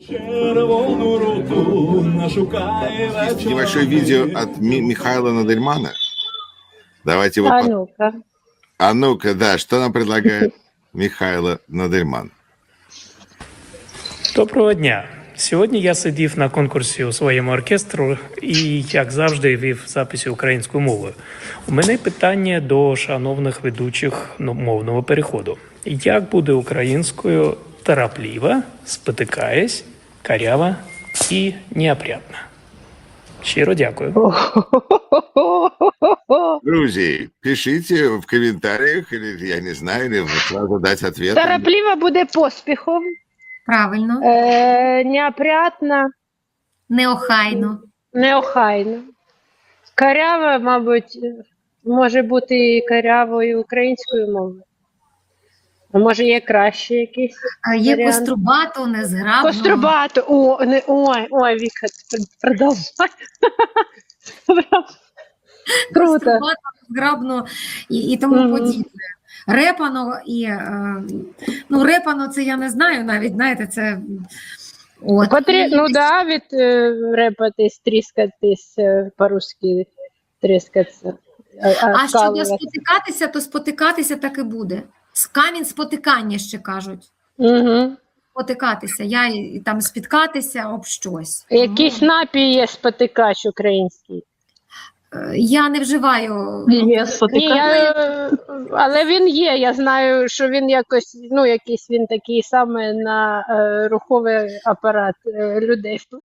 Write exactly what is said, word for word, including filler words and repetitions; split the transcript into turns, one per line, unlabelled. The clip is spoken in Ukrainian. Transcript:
Червону руту нашукає вечора.
Небольшое видео от Ми- Михаила Надельмана. Давайте его...
А
по-
ну-ка.
А ну-ка, да, что нам предлагает Михайло Надельман?
Доброго дня. Сьогодні я сидів на конкурсі у своєму оркестру і, як завжди, вів записи українською мовою. У мене питання до шановних ведучих ну, мовного переходу. Як буде українською «торопливо», «спотикаясь», «карява» і «неопрятно»? Щиро дякую.
Друзі, пишите в комментариях, или, я не знаю, или вы сразу дать ответ.
Торопливо буде поспіхом,
Правильно,
е, неопрятно,
неохайно.
неохайно. Карява, мабуть, може бути і карявою українською мовою. А може є краще якийсь
А Є
варіант?
кострубато, незграбно.
Кострубато. О, не, ой, ой, Віка, продовжай. Круто.
Кострубато, незграбно і, і тому
Мгм.
подібне. Репано і е, ну репано це я не знаю навіть, знаєте, це от.
Потрі...
І-
Ну да, від е, репатись, тріскатись, е, по-русски тріскатися. А,
А щодо
скалуватися.
спотикатися, то спотикатися так і буде. З камінь спотикання ще кажуть.
Угу.
Спотикатися, я і, і там спіткатися об щось.
Якийсь напій є спотикач український.
Е, Я не вживаю.
Ні, я, е, але він є. Я знаю, що він якось, ну, якийсь він такий саме на е, руховий апарат е, людей